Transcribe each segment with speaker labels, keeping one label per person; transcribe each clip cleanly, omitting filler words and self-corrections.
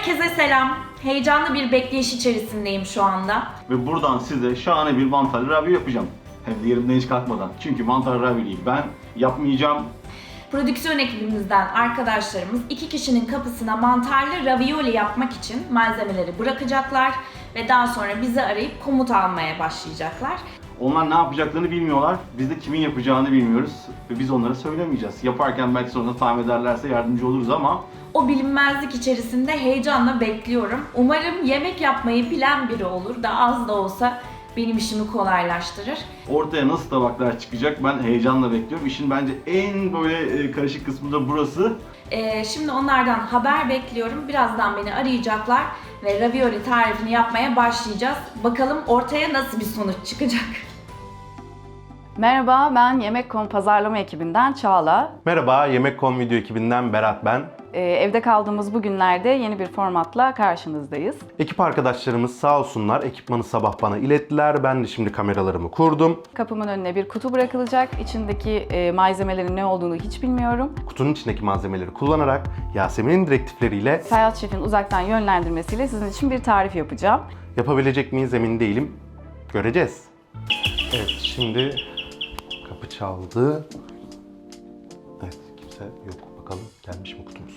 Speaker 1: Herkese selam. Heyecanlı bir bekleyiş içerisindeyim şu anda.
Speaker 2: Ve buradan size şahane bir mantarlı ravioli yapacağım. Hem de yerimden hiç kalkmadan. Çünkü mantarlı ravioliyi ben yapmayacağım.
Speaker 1: Prodüksiyon ekibimizden arkadaşlarımız 2 kişinin kapısına mantarlı ravioli yapmak için malzemeleri bırakacaklar ve daha sonra bizi arayıp komut almaya başlayacaklar.
Speaker 2: Onlar ne yapacaklarını bilmiyorlar. Biz de kimin yapacağını bilmiyoruz. Ve biz onlara söylemeyeceğiz. Yaparken belki sonra tahmin ederlerse yardımcı oluruz ama
Speaker 1: O bilinmezlik içerisinde heyecanla bekliyorum. Umarım yemek yapmayı bilen biri olur da az da olsa benim işimi kolaylaştırır.
Speaker 2: ortaya nasıl tabaklar çıkacak ben heyecanla bekliyorum. İşin bence en böyle karışık kısmı da burası.
Speaker 1: Şimdi onlardan haber bekliyorum. Birazdan beni arayacaklar ve ravioli tarifini yapmaya başlayacağız. Bakalım ortaya nasıl bir sonuç çıkacak.
Speaker 3: Merhaba, ben Yemek.com pazarlama ekibinden Çağla.
Speaker 4: Merhaba, Yemek.com video ekibinden Berat ben.
Speaker 3: Evde kaldığımız bu günlerde yeni bir formatla karşınızdayız.
Speaker 4: Ekip arkadaşlarımız sağ olsunlar ekipmanı sabah bana ilettiler. Ben de şimdi kameralarımı kurdum.
Speaker 3: Kapımın önüne bir kutu bırakılacak. İçindeki malzemelerin ne olduğunu hiç bilmiyorum.
Speaker 4: Kutunun içindeki malzemeleri kullanarak Yasemin'in direktifleriyle
Speaker 3: Ferhat Şef'in uzaktan yönlendirmesiyle sizin için bir tarif yapacağım.
Speaker 4: yapabilecek miyiz emin değilim. Göreceğiz. Evet, şimdi kapı çaldı. Evet, kimse yok. Bakalım gelmiş mi kutumuz?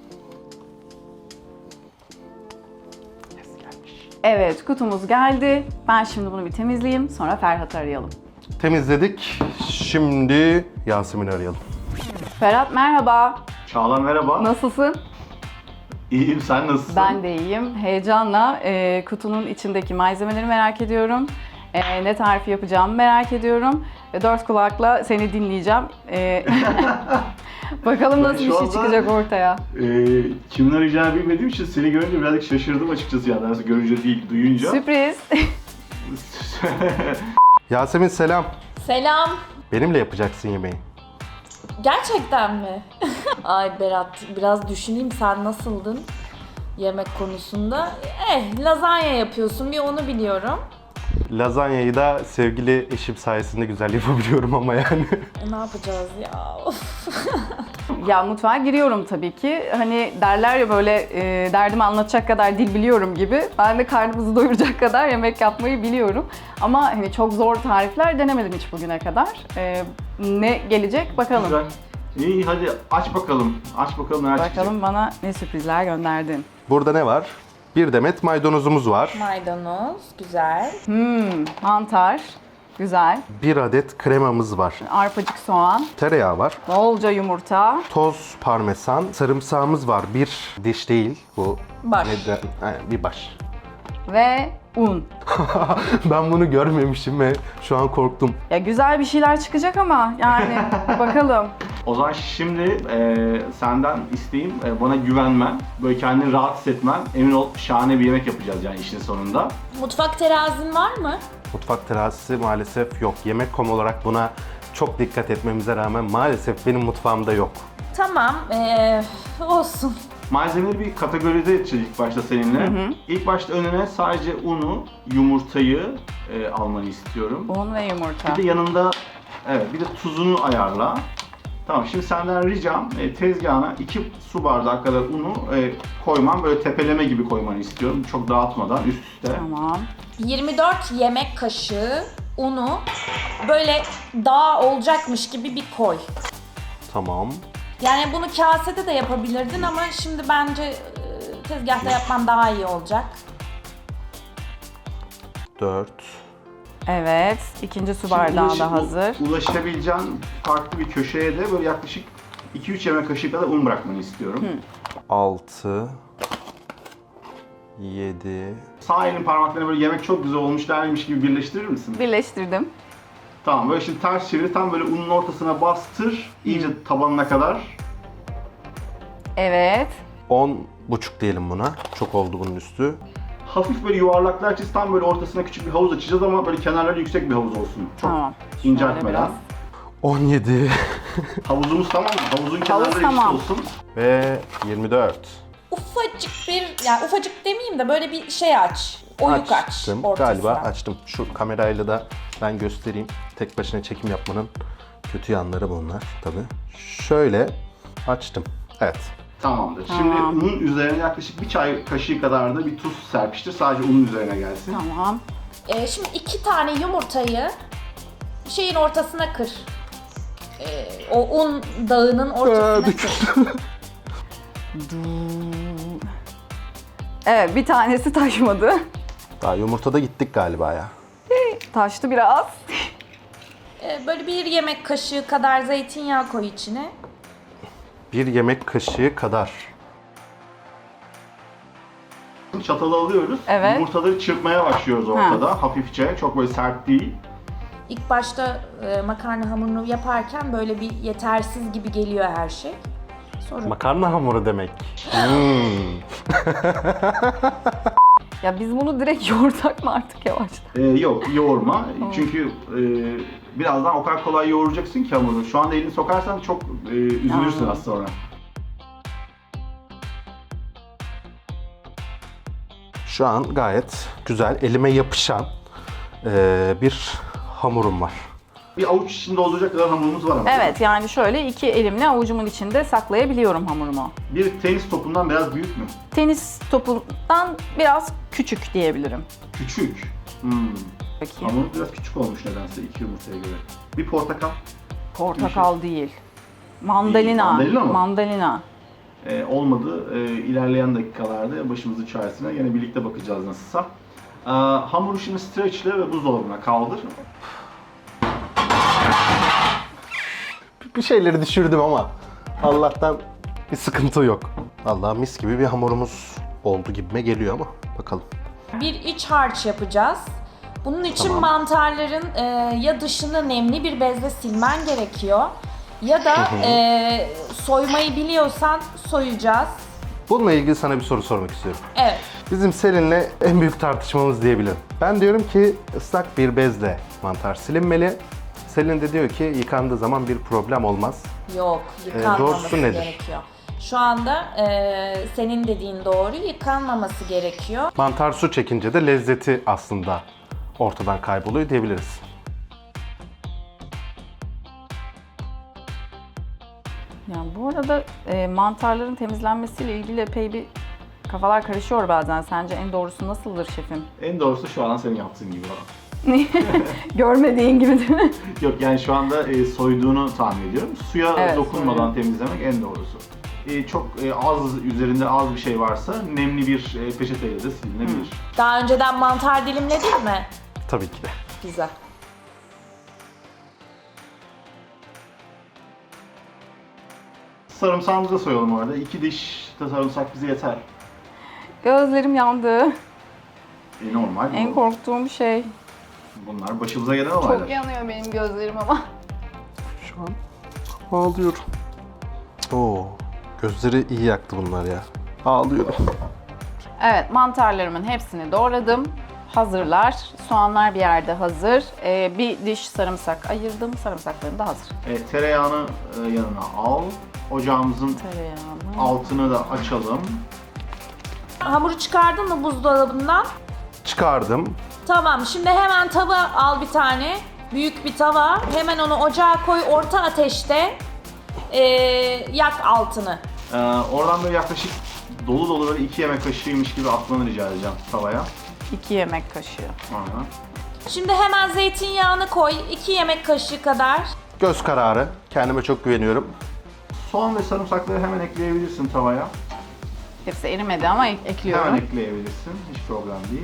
Speaker 4: Yes, gelmiş.
Speaker 3: Evet, kutumuz geldi. Ben şimdi bunu bir temizleyeyim, sonra Ferhat'ı arayalım.
Speaker 4: Temizledik. Şimdi Yasemin'i arayalım.
Speaker 3: Ferhat merhaba,
Speaker 2: Çağla merhaba.
Speaker 3: nasılsın?
Speaker 2: İyiyim, sen nasılsın?
Speaker 3: Ben de iyiyim. Heyecanla kutunun içindeki malzemeleri merak ediyorum. Ne tarifi yapacağımı merak ediyorum. Ve dört kulakla seni dinleyeceğim. Bakalım nasıl
Speaker 2: şu
Speaker 3: bir şey
Speaker 2: anda-
Speaker 3: çıkacak ortaya.
Speaker 2: Kimin arayacağını bilmediğim için seni görünce birazcık şaşırdım açıkçası yani. Nasıl görünce değil, duyunca.
Speaker 3: Sürpriz.
Speaker 4: Yasemin selam.
Speaker 1: Selam.
Speaker 4: Benimle yapacaksın yemeği.
Speaker 1: Gerçekten mi? Ay Berat, biraz düşüneyim, sen nasıldın yemek konusunda? Lazanya yapıyorsun, bir onu biliyorum.
Speaker 4: Lazanyayı da sevgili eşim sayesinde güzel yapabiliyorum ama yani.
Speaker 1: Ne yapacağız ya? Of.
Speaker 3: Ya mutfağa giriyorum tabii ki. Hani derler ya böyle derdimi anlatacak kadar dil biliyorum gibi. Ben de karnımızı doyuracak kadar yemek yapmayı biliyorum. Ama hani çok zor tarifler denemedim hiç bugüne kadar. Ne gelecek bakalım.
Speaker 2: Güzel. İyi, hadi aç bakalım. Aç bakalım neler çıkacak.
Speaker 3: Bakalım bana ne sürprizler gönderdin.
Speaker 4: Burada ne var? Bir demet maydanozumuz var.
Speaker 1: Maydanoz, güzel.
Speaker 3: Mantar, güzel.
Speaker 4: Bir adet kremamız var.
Speaker 3: Arpacık soğan,
Speaker 4: Tereyağı var.
Speaker 3: bolca yumurta.
Speaker 4: Toz parmesan. Sarımsağımız var. Bir diş değil bu.
Speaker 1: Baş.
Speaker 4: Aynen, bir baş.
Speaker 3: Ve un.
Speaker 4: Ben bunu görmemişim ve şu an korktum.
Speaker 3: Ya güzel bir şeyler çıkacak ama yani bakalım.
Speaker 2: O zaman şimdi senden isteğim bana güvenmen, böyle kendini rahat hissetmen. Emin ol şahane bir yemek yapacağız yani işin sonunda.
Speaker 1: Mutfak terazin var mı?
Speaker 4: Mutfak terazisi maalesef yok. Yemek.com olarak buna çok dikkat etmemize rağmen maalesef benim mutfağımda yok.
Speaker 1: Tamam, olsun.
Speaker 2: Malzemeleri bir kategorize edeceğiz ilk başta seninle. İlk başta önüne sadece unu, yumurtayı almanı istiyorum.
Speaker 3: Un ve yumurta.
Speaker 2: Bir de yanında bir de tuzunu ayarla. Tamam, şimdi senden ricam tezgahına 2 su bardağı kadar unu koyman, böyle tepeleme gibi koymanı istiyorum. Çok dağıtmadan üst üste.
Speaker 3: Tamam.
Speaker 1: 24 yemek kaşığı unu böyle dağ olacakmış gibi bir koy.
Speaker 4: Tamam.
Speaker 1: Yani bunu kasede de yapabilirdin ama şimdi bence tezgahta yapman daha iyi olacak.
Speaker 4: 4.
Speaker 3: Evet, ikinci su
Speaker 2: Şimdi
Speaker 3: bardağı da hazır.
Speaker 2: Ulaşabileceğin farklı bir köşeye de böyle yaklaşık 2-3 yemek kaşığı kadar un bırakmanı istiyorum.
Speaker 4: 6. 7.
Speaker 2: Sağ elin parmaklarını böyle yemek çok güzel olmuş dermiş gibi birleştirir misin?
Speaker 3: Birleştirdim.
Speaker 2: Tamam, böyle şimdi ters çevir, tam böyle unun ortasına bastır, iyice tabanına kadar.
Speaker 3: Evet.
Speaker 4: 10,5 diyelim buna. Çok oldu bunun üstü.
Speaker 2: Hafif böyle yuvarlaklar çiz, tam böyle ortasına küçük bir havuz açacağız ama böyle kenarları yüksek bir havuz olsun. Çok
Speaker 3: Tamam.
Speaker 2: inceltmeden.
Speaker 3: biraz.
Speaker 4: 17
Speaker 2: Havuzumuz tamam mı? Havuzun kenarları
Speaker 3: tamam.
Speaker 2: yüksek olsun.
Speaker 4: ve 24.
Speaker 1: Ufacık bir, yani ufacık demeyeyim de böyle bir şey aç. Oyuk aç
Speaker 4: Açtım.
Speaker 1: ortasına.
Speaker 4: Galiba açtım. Şu kamerayla da ben göstereyim. Tek başına çekim yapmanın kötü yanları bunlar tabii. Şöyle açtım. Evet.
Speaker 2: Tamamdır.
Speaker 3: Tamam.
Speaker 2: Şimdi unun üzerine yaklaşık bir çay kaşığı kadar da bir tuz serpiştir. Sadece unun üzerine gelsin.
Speaker 3: Tamam.
Speaker 1: Şimdi 2 tane yumurtayı şeyin ortasına kır. O un dağının ortasına kır.
Speaker 3: Evet, bir tanesi taşmadı.
Speaker 4: Daha yumurtada gittik galiba ya.
Speaker 3: Taştı biraz.
Speaker 1: Böyle 1 yemek kaşığı kadar zeytinyağı koy içine.
Speaker 4: 1 yemek kaşığı kadar.
Speaker 2: Çatalı alıyoruz.
Speaker 3: Evet.
Speaker 2: Yumurtaları çırpmaya başlıyoruz ortada. Hafifçe. Çok böyle sert değil.
Speaker 1: İlk başta makarna hamurunu yaparken böyle bir yetersiz gibi geliyor her şey. Sonra
Speaker 4: Makarna hamuru demek.
Speaker 3: Ya biz bunu direkt yoğursak mı artık yavaştan?
Speaker 2: Yok, yoğurma. Çünkü birazdan o kadar kolay yoğuracaksın ki hamuru. Şu anda elini sokarsan çok üzülürsün az sonra.
Speaker 4: Şu an gayet güzel, elime yapışan bir hamurum var.
Speaker 2: Bir avuç içinde olacak kadar hamurumuz var ama.
Speaker 3: Evet, yani şöyle 2 elimle avucumun içinde saklayabiliyorum hamurumu.
Speaker 2: Bir tenis topundan biraz büyük mü?
Speaker 3: Tenis topundan biraz küçük diyebilirim.
Speaker 2: Küçük.
Speaker 3: Bakayım.
Speaker 2: Hamur biraz küçük olmuş nedense 2 yumurtaya göre. Bir portakal.
Speaker 3: Portakal değil. Mandalina.
Speaker 2: Mandalina mı?
Speaker 3: Mandalina.
Speaker 2: Olmadı. İlerleyen dakikalarda başımızın çaresine yine birlikte bakacağız nasılsa. Hamuru şimdi streçle ve buzdolabına kaldır.
Speaker 4: Bir şeyleri düşürdüm ama Allah'tan bir sıkıntı yok. Vallahi mis gibi bir hamurumuz oldu gibime geliyor ama bakalım.
Speaker 1: bir iç harç yapacağız. Bunun için
Speaker 4: Tamam.
Speaker 1: mantarların ya dışını nemli bir bezle silmen gerekiyor ya da soymayı biliyorsan soyacağız.
Speaker 4: Bununla ilgili sana bir soru sormak istiyorum.
Speaker 1: Evet.
Speaker 4: Bizim Selin'le en büyük tartışmamız diyebilirim. Ben diyorum ki ıslak bir bezle mantar silinmeli. Selin de diyor ki yıkandığı zaman bir problem olmaz.
Speaker 1: Yok, yıkanmaması
Speaker 4: doğrusu nedir?
Speaker 1: gerekiyor. Şu anda senin dediğin doğru, yıkanmaması gerekiyor.
Speaker 4: Mantar su çekince de lezzeti aslında ortadan kayboluyor diyebiliriz.
Speaker 3: Yani bu arada mantarların temizlenmesiyle ilgili epey bir kafalar karışıyor bazen. Sence en doğrusu nasıldır şefim?
Speaker 2: En doğrusu şu an senin yaptığın gibi.
Speaker 3: Görmediğin gibi değil mi?
Speaker 2: Yok yani şu anda soyduğunu tahmin ediyorum. Suya
Speaker 3: Evet,
Speaker 2: dokunmadan temizlemek en doğrusu. Çok az, üzerinde az bir şey varsa nemli bir peçeteyle de silinebilir.
Speaker 1: Daha önceden mantar dilimledin mi?
Speaker 4: Tabii ki de.
Speaker 1: Güzel.
Speaker 2: Sarımsağımızı da soyalım orada. 2 diş de sarımsak bize yeter.
Speaker 3: Gözlerim yandı.
Speaker 2: Normal.
Speaker 3: En korktuğum şey.
Speaker 2: Bunlar başımıza gelen olaylar.
Speaker 3: Çok yanıyor benim gözlerim ama.
Speaker 4: Şu an ağlıyorum. Oo, gözleri iyi yaktı bunlar ya. Ağlıyorum.
Speaker 3: Evet, mantarlarımın hepsini doğradım. Hazırlar. Soğanlar bir yerde hazır. Bir diş sarımsak ayırdım. Sarımsaklarım da hazır.
Speaker 2: Tereyağını yanına al. Ocağımızın
Speaker 3: Tereyağını.
Speaker 2: altını da açalım.
Speaker 1: Hamuru çıkardın mı buzdolabından?
Speaker 4: Çıkardım.
Speaker 1: Tamam, şimdi hemen tava al bir tane. Büyük bir tava. Hemen onu ocağa koy, orta ateşte yak altını.
Speaker 2: Oradan böyle yaklaşık dolu dolu böyle 2 yemek kaşığıymış gibi atmanı rica edeceğim tavaya.
Speaker 3: 2 yemek kaşığı.
Speaker 2: Aynen.
Speaker 1: Şimdi hemen zeytinyağını koy, 2 yemek kaşığı kadar.
Speaker 4: Göz kararı. Kendime çok güveniyorum.
Speaker 2: Soğan ve sarımsakları hemen ekleyebilirsin tavaya.
Speaker 3: Hepsi erimedi ama ekliyorum.
Speaker 2: Hemen ekleyebilirsin. Hiç problem değil.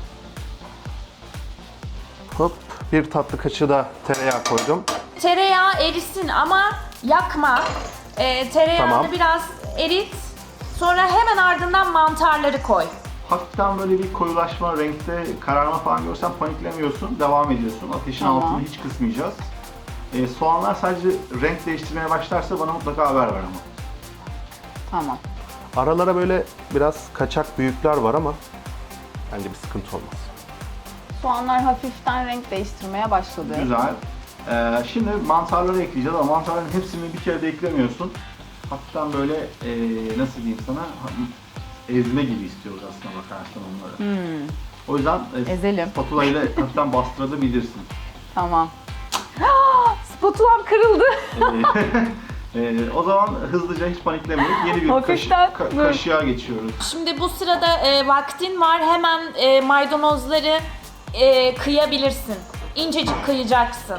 Speaker 4: Hop. Bir tatlı kaşığı da tereyağı koydum.
Speaker 1: Tereyağı erisin ama yakma. Tereyağını
Speaker 4: Tamam.
Speaker 1: biraz erit. Sonra hemen ardından mantarları koy.
Speaker 2: Hafiften böyle bir koyulaşma, renkte kararma falan görsen paniklemiyorsun, devam ediyorsun. Ateşin
Speaker 3: Tamam.
Speaker 2: altını hiç kısmayacağız. Soğanlar sadece renk değiştirmeye başlarsa bana mutlaka haber ver ama.
Speaker 3: Tamam.
Speaker 4: Aralara böyle biraz kaçak büyükler var ama bence bir sıkıntı olmaz.
Speaker 3: Soğanlar hafiften renk değiştirmeye başladı.
Speaker 2: Güzel. Şimdi mantarları ekleyeceğiz ama mantarların hepsini bir kere de eklemiyorsun. Hafiften böyle nasıl diyeyim sana, ezme gibi istiyoruz aslında bakarsan onları. O yüzden
Speaker 3: Ezelim.
Speaker 2: spatula ile hafiften bastırabilirsin.
Speaker 3: Tamam. Spatulam kırıldı.
Speaker 2: O zaman hızlıca hiç paniklemeyip yeni bir
Speaker 3: Hafiften,
Speaker 2: kaşığa geçiyoruz.
Speaker 1: Şimdi bu sırada vaktin var. Hemen maydanozları kıyabilirsin. İncecik kıyacaksın.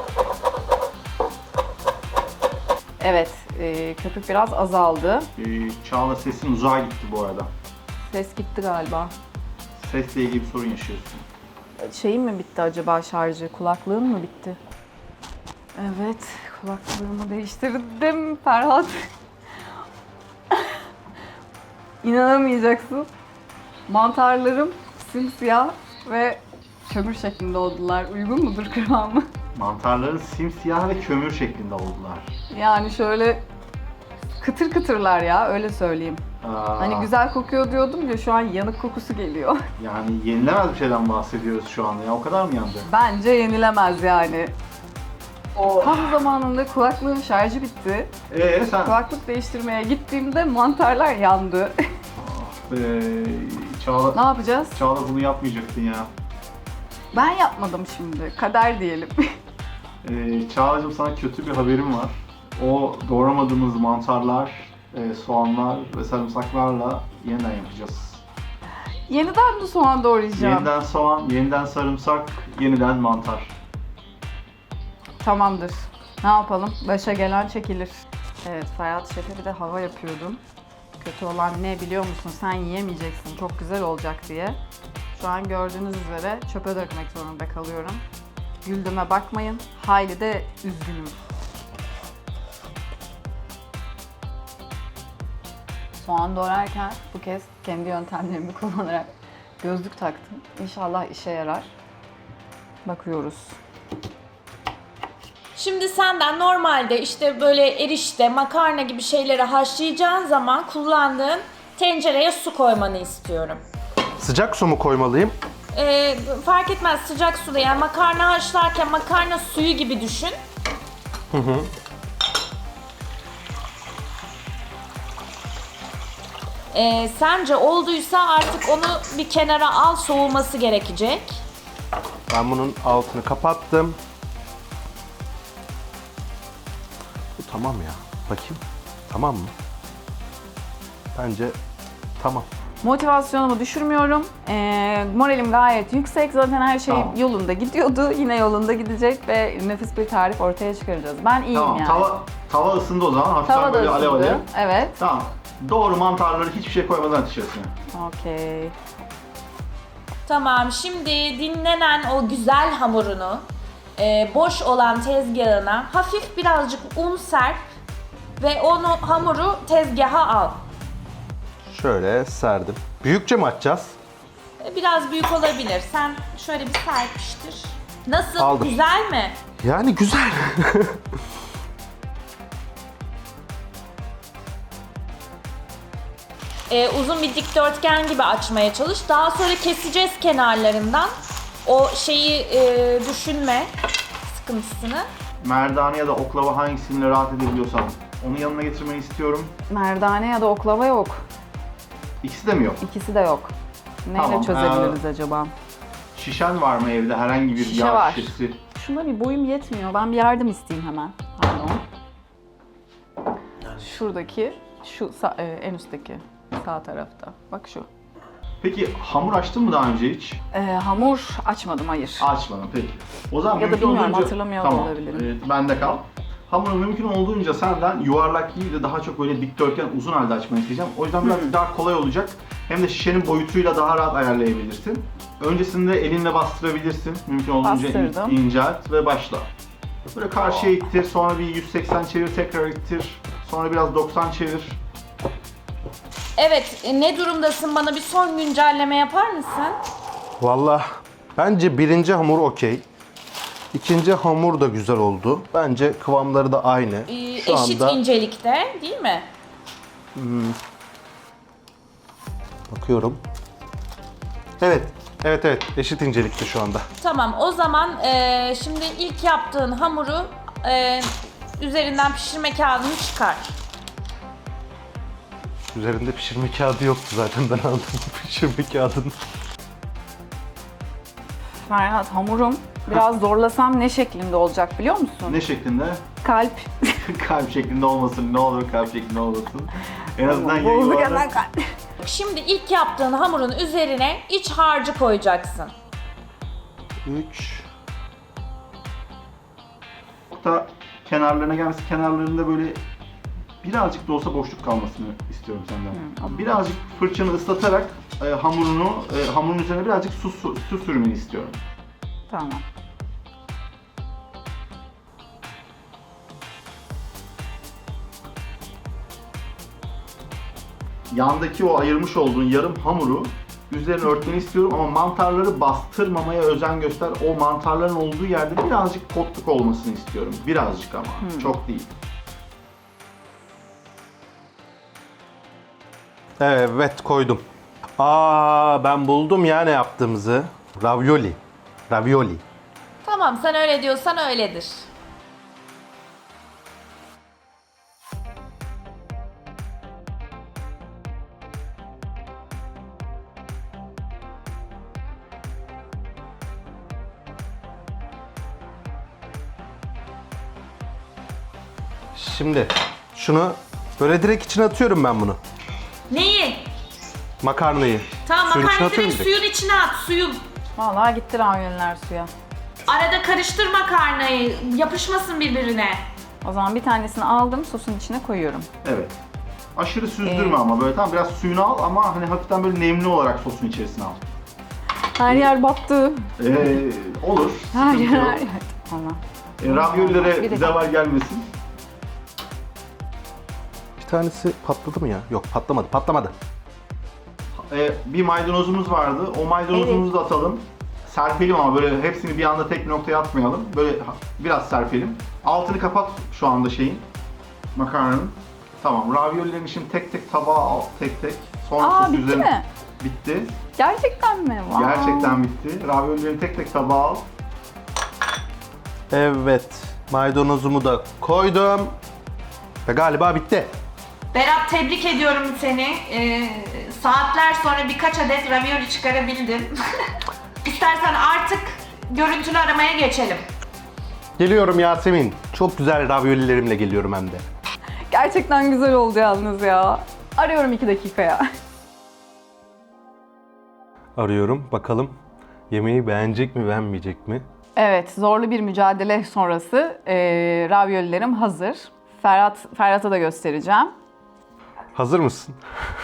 Speaker 3: Evet, köpük biraz azaldı.
Speaker 2: Çağla sesin uzağa gitti bu arada.
Speaker 3: Ses gitti galiba.
Speaker 2: Sesle ilgili bir sorun yaşıyorsun.
Speaker 3: Şeyim mi bitti acaba şarjı? Kulaklığım mı bitti? Evet, kulaklığımı değiştirdim Ferhat. İnanamayacaksın. Mantarlarım simsiyah ve kömür şeklinde oldular. Uygun mudur kıvamı?
Speaker 2: Mantarların simsiyah ve kömür şeklinde oldular.
Speaker 3: Yani şöyle kıtır kıtırlar ya, öyle söyleyeyim. Hani güzel kokuyor diyordum ya, şu an yanık kokusu geliyor.
Speaker 2: Yani yenilemez bir şeyden bahsediyoruz şu anda ya. O kadar mı yandı?
Speaker 3: Bence yenilemez yani. Tam zamanında kulaklığın şarjı bitti.
Speaker 2: Sen...
Speaker 3: Kulaklık değiştirmeye gittiğimde mantarlar yandı.
Speaker 2: Çağla...
Speaker 3: Ne yapacağız?
Speaker 2: Çağla bunu yapmayacaktın ya.
Speaker 3: Ben yapmadım şimdi. Kader diyelim.
Speaker 2: Çağla'cığım sana kötü bir haberim var. O doğramadığımız mantarlar, soğanlar ve sarımsaklarla yeniden yapacağız.
Speaker 3: Yeniden mi soğan doğrayacağım?
Speaker 2: Yeniden soğan, yeniden sarımsak, yeniden mantar.
Speaker 3: Tamamdır. Ne yapalım? Başa gelen çekilir. Evet, Ferhat Şef'e bir de hava yapıyordum. Kötü olan ne biliyor musun? Sen yiyemeyeceksin, çok güzel olacak diye. Şu an gördüğünüz üzere çöpe dökmek zorunda kalıyorum. Güldüğüme bakmayın. Hayli de üzgünüm. Soğan doğrarken bu kez kendi yöntemlerimi kullanarak gözlük taktım. İnşallah işe yarar. Bakıyoruz.
Speaker 1: Şimdi senden normalde işte böyle erişte, makarna gibi şeyleri haşlayacağın zaman kullandığın tencereye su koymanı istiyorum.
Speaker 4: Sıcak su mu koymalıyım?
Speaker 1: Fark etmez, sıcak suda, yani makarna haşlarken makarna suyu gibi düşün. Sence olduysa artık onu bir kenara al, soğuması gerekecek.
Speaker 4: Ben bunun altını kapattım. Bu tamam ya. Bakayım. Tamam mı? Bence tamam.
Speaker 3: Motivasyonumu düşürmüyorum. Moralim gayet yüksek. Zaten her şey
Speaker 2: Tamam.
Speaker 3: yolunda gidiyordu. Yine yolunda gidecek ve nefis bir tarif ortaya çıkaracağız. Ben iyiyim
Speaker 2: Tamam,
Speaker 3: yani.
Speaker 2: tava ısındı o zaman. Hafiften
Speaker 3: Tava
Speaker 2: böyle
Speaker 3: da
Speaker 2: alev
Speaker 3: ısındı.
Speaker 2: alev.
Speaker 3: Evet.
Speaker 2: Tamam. Doğru mantarları hiçbir şey koymadan atışıyorsun.
Speaker 3: Okey.
Speaker 1: Tamam, şimdi dinlenen o güzel hamurunu boş olan tezgahına hafif birazcık un serp ve hamuru tezgaha al.
Speaker 4: Şöyle serdim. Büyükçe mi açacağız?
Speaker 1: Biraz büyük olabilir. Sen şöyle bir serpiştir. Nasıl?
Speaker 4: Aldım.
Speaker 1: Güzel mi?
Speaker 4: Yani güzel.
Speaker 1: Uzun bir dikdörtgen gibi açmaya çalış. Daha sonra keseceğiz kenarlarından. O şeyi düşünme sıkıntısını.
Speaker 2: Merdane ya da oklava hangisini rahat edebiliyorsan onu yanına getirmeni istiyorum.
Speaker 3: Merdane ya da oklava yok.
Speaker 2: İkisi de mi yok?
Speaker 3: İkisi de yok. Neyle
Speaker 2: Tamam,
Speaker 3: çözebiliriz acaba?
Speaker 2: Şişen var mı evde? Herhangi bir
Speaker 3: Şişe
Speaker 2: yağ
Speaker 3: var.
Speaker 2: şişesi?
Speaker 3: Şuna bir boyum yetmiyor. Ben bir yardım isteyeyim hemen. Pardon. Şuradaki, en üstteki sağ tarafta. Bak şu.
Speaker 2: Peki hamur açtın mı daha önce hiç?
Speaker 3: Hamur açmadım, hayır.
Speaker 2: Açmadım peki. O zaman
Speaker 3: Ya da
Speaker 2: mümkün
Speaker 3: bilmiyorum,
Speaker 2: olduğunca-
Speaker 3: hatırlamıyor da
Speaker 2: tamam.
Speaker 3: olabilirim.
Speaker 2: Bende kal. Hamuru mümkün olduğunca senden yuvarlak değil de daha çok böyle dikdörtgen uzun halde açmanı isteyeceğim. O yüzden biraz daha kolay olacak. Hem de şişenin boyutuyla daha rahat ayarlayabilirsin. Öncesinde elinle bastırabilirsin. Mümkün olduğunca
Speaker 3: Bastırdım.
Speaker 2: incelт ve başla. Böyle karşıya ittir, sonra bir 180 çevir, tekrar ittir. Sonra biraz 90 çevir.
Speaker 1: Evet, ne durumdasın? Bana bir son güncelleme yapar mısın?
Speaker 4: Vallahi bence birinci hamur okey. İkinci hamur da güzel oldu. Bence kıvamları da aynı. Şu
Speaker 1: Eşit
Speaker 4: anda
Speaker 1: incelikte, değil mi?
Speaker 4: bakıyorum. Evet, eşit incelikte şu anda.
Speaker 1: Tamam, o zaman şimdi ilk yaptığın hamuru üzerinden pişirme kağıdını çıkar.
Speaker 4: Üzerinde pişirme kağıdı yoktu zaten, ben aldım pişirme kağıdını.
Speaker 3: Ferhat, hamurum biraz zorlasam ne şeklinde olacak biliyor musun?
Speaker 2: Ne şeklinde?
Speaker 3: Kalp.
Speaker 2: kalp şeklinde olmasın, ne olur kalp şeklinde olmasın. En azından yayın
Speaker 3: Bozduk
Speaker 2: olarak-
Speaker 3: hemen kalp.
Speaker 1: Şimdi ilk yaptığın hamurun üzerine iç harcı koyacaksın.
Speaker 4: 3.
Speaker 2: da kenarlarına gelmesi, kenarlarında böyle birazcık da olsa boşluk kalmasını istiyorum senden. Birazcık fırçanı ıslatarak hamurun üzerine birazcık su sürmeni istiyorum.
Speaker 3: Tamam.
Speaker 2: Yandaki o ayırmış olduğun yarım hamuru üzerine örtmeni istiyorum ama mantarları bastırmamaya özen göster. O mantarların olduğu yerde birazcık potluk olmasını istiyorum. Birazcık ama, çok değil.
Speaker 4: Evet, koydum. Ben buldum ya ne yaptığımızı. Ravioli. Ravioli.
Speaker 1: Tamam, sen öyle diyorsan öyledir.
Speaker 4: Şimdi şunu böyle direkt içine atıyorum ben bunu.
Speaker 1: Neyi?
Speaker 4: Makarnayı.
Speaker 1: Tamam,
Speaker 4: Suyun içine
Speaker 1: makarnayı
Speaker 4: atıyorum
Speaker 1: direkt
Speaker 4: direkt.
Speaker 1: suyun içine at, suyun.
Speaker 3: Vallahi gitti raviyoller suya.
Speaker 1: Arada karıştır makarnayı, yapışmasın birbirine.
Speaker 3: O zaman bir tanesini aldım, sosun içine koyuyorum.
Speaker 2: Evet. Aşırı süzdürme ama böyle tam biraz suyunu al ama hani hafiften böyle nemli olarak sosun içerisine al.
Speaker 3: Her yer battı.
Speaker 2: Olur.
Speaker 3: Her
Speaker 2: sıkıntı
Speaker 3: yer,
Speaker 2: yok.
Speaker 3: her yer. Tamam. Bir
Speaker 2: Raviolilere
Speaker 3: dakika.
Speaker 2: zeval gelmesin.
Speaker 4: Bir tanesi patladı mı ya? Yok, patlamadı. Patlamadı.
Speaker 2: Bir maydanozumuz vardı. O maydanozumuzu da atalım. Serpelim ama böyle hepsini bir anda tek bir noktaya atmayalım. Böyle biraz serpelim. Altını kapat şu anda makarnanın. Tamam. Raviolilerini şimdi tek tek tabağa al. Tek tek. Sonra
Speaker 3: Aa,
Speaker 2: sosu
Speaker 3: bitti
Speaker 2: üzerine-
Speaker 3: mi?
Speaker 2: Bitti.
Speaker 3: Gerçekten mi? Wow.
Speaker 2: Gerçekten bitti. Raviolilerini tek tek tabağa al.
Speaker 4: Evet. Maydanozumu da koydum. Ve galiba bitti.
Speaker 1: Berat, tebrik ediyorum seni. Saatler sonra birkaç adet ravioli çıkarabildin. İstersen artık görüntülü aramaya geçelim.
Speaker 4: Geliyorum Yasemin. Çok güzel raviolilerimle geliyorum hem de.
Speaker 3: Gerçekten güzel oldu yalnız ya. Arıyorum 2 dakikaya.
Speaker 4: Arıyorum. Bakalım yemeği beğenecek mi, beğenmeyecek mi?
Speaker 3: Evet, zorlu bir mücadele sonrası raviolilerim hazır. Ferhat'a da göstereceğim.
Speaker 4: Hazır mısın?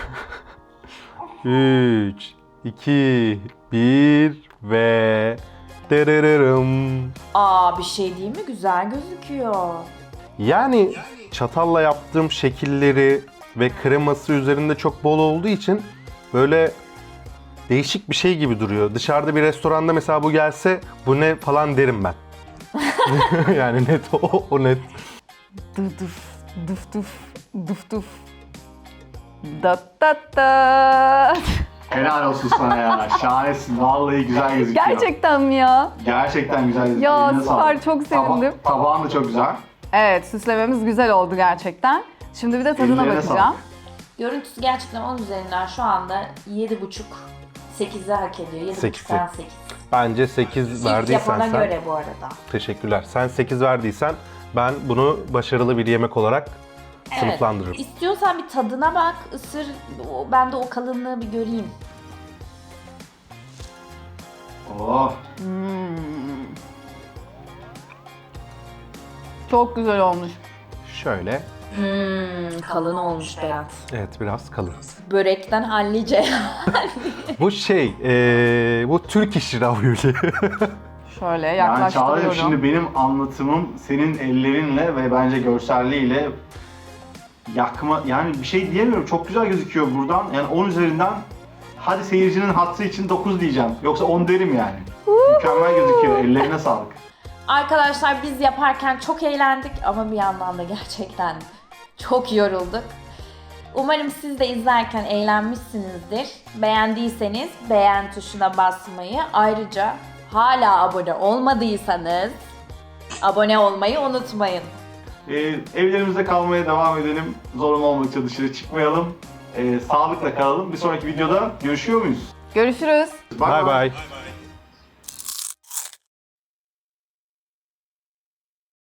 Speaker 4: 3, 2, 1 ve dererem.
Speaker 1: Bir şey değil mi? Güzel gözüküyor.
Speaker 4: Yani çatalla yaptığım şekilleri ve kreması üzerinde çok bol olduğu için böyle değişik bir şey gibi duruyor. Dışarıda bir restoranda mesela bu gelse bu ne falan derim ben. Yani net o net.
Speaker 3: Duf duf, duf duf, duf duf. Dat dat dat.
Speaker 2: Helal olsun sana ya. Şahanesin. Vallahi güzel gözüküyor.
Speaker 3: Gerçekten mi ya?
Speaker 2: Gerçekten güzel gözüküyor.
Speaker 3: Ya,
Speaker 2: Eline
Speaker 3: süper,
Speaker 2: sağlık.
Speaker 3: çok sevindim.
Speaker 2: Tabağın da çok güzel.
Speaker 3: Evet, süslememiz güzel oldu gerçekten. Şimdi bir de tadına
Speaker 2: Ellerine
Speaker 3: bakacağım.
Speaker 2: sağlık.
Speaker 1: Görüntüsü gerçekten 10 üzerinden şu anda 7,5, 8'i hak ediyor. 7,5'dan 8.
Speaker 4: Bence 8
Speaker 1: İlk
Speaker 4: verdiysen
Speaker 1: yapana
Speaker 4: sen.
Speaker 1: göre bu arada.
Speaker 4: Teşekkürler. Sen 8 verdiysen ben bunu başarılı bir yemek olarak sınıflandırırım.
Speaker 1: İstiyorsan bir tadına bak, ısır. Ben de o kalınlığı bir göreyim.
Speaker 2: Oh.
Speaker 3: Çok güzel olmuş.
Speaker 4: Şöyle.
Speaker 1: Kalın olmuş Berat.
Speaker 4: Evet, biraz kalın.
Speaker 1: Börekten hallice.
Speaker 4: Bu bu Türk işi ravioli.
Speaker 3: Şöyle
Speaker 2: Yani Çağla'cığım
Speaker 3: yaklaştırıyorum.
Speaker 2: şimdi benim anlatımım senin ellerinle ve bence görselliğiyle yakma, yani bir şey diyemiyorum. Çok güzel gözüküyor buradan. Yani 10 üzerinden hadi seyircinin hatırı için 9 diyeceğim. Yoksa 10 derim yani. Mükemmel gözüküyor. Ellerine sağlık.
Speaker 1: Arkadaşlar, biz yaparken çok eğlendik ama bir yandan da gerçekten çok yorulduk. Umarım siz de izlerken eğlenmişsinizdir. Beğendiyseniz beğen tuşuna basmayı, ayrıca hala abone olmadıysanız abone olmayı unutmayın.
Speaker 2: Evlerimizde kalmaya devam edelim. Zorunlu olmadıkça dışarı çıkmayalım. Sağlıkla kalalım. Bir sonraki videoda görüşüyor muyuz?
Speaker 3: Görüşürüz.
Speaker 4: Bye bye.